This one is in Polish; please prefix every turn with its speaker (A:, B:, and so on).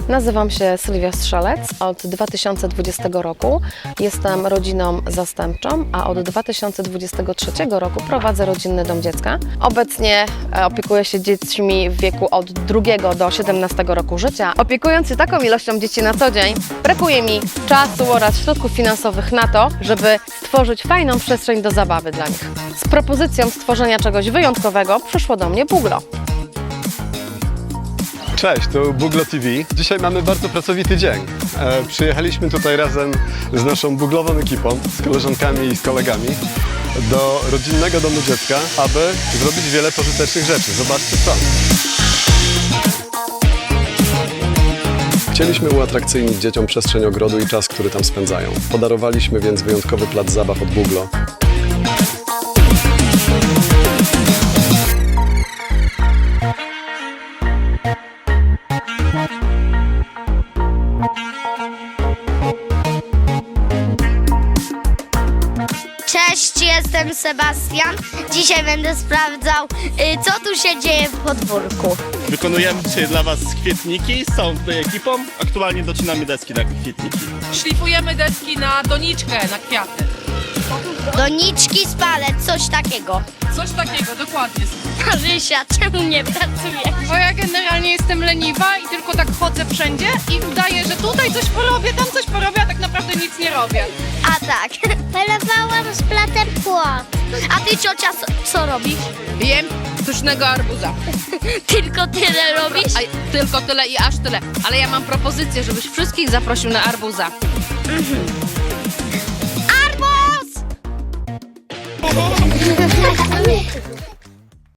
A: Nazywam się Sylwia Strzelec. Od 2020 roku jestem rodziną zastępczą, a od 2023 roku prowadzę rodzinny dom dziecka. Obecnie opiekuję się dziećmi w wieku od 2 do 17 roku życia. Opiekując się taką ilością dzieci na co dzień, brakuje mi czasu oraz środków finansowych na to, żeby stworzyć fajną przestrzeń do zabawy dla nich. Z propozycją stworzenia czegoś wyjątkowego przyszło do mnie Buglo.
B: Cześć, to Buglo TV. Dzisiaj mamy bardzo pracowity dzień. Przyjechaliśmy tutaj razem z naszą buglową ekipą, z koleżankami i z kolegami do rodzinnego domu dziecka, aby zrobić wiele pożytecznych rzeczy. Zobaczcie co. Chcieliśmy uatrakcyjnić dzieciom przestrzeń ogrodu i czas, który tam spędzają. Podarowaliśmy więc wyjątkowy plac zabaw od Buglo.
C: Cześć, jestem Sebastian. Dzisiaj będę sprawdzał, co tu się dzieje w podwórku.
D: Wykonujemy dzisiaj dla Was kwietniki z całą tutaj ekipą. Aktualnie docinamy deski na kwietniki.
E: Szlifujemy deski na doniczkę, na kwiaty.
C: Doniczki z palet, coś takiego.
E: Coś takiego, dokładnie.
C: Marysia, czemu nie pracujesz?
E: Bo ja generalnie jestem leniwa i tylko tak chodzę wszędzie i udaję, że tutaj coś porobię, tam coś porobię, a tak naprawdę nic nie robię.
C: A tak. Polewałam z platem płot. A ty, ciocia, co robisz?
E: Jem sztucznego arbuza.
C: Tylko tyle robisz?
E: A tylko tyle i aż tyle. Ale ja mam propozycję, żebyś wszystkich zaprosił na arbuza.
C: Arbuz!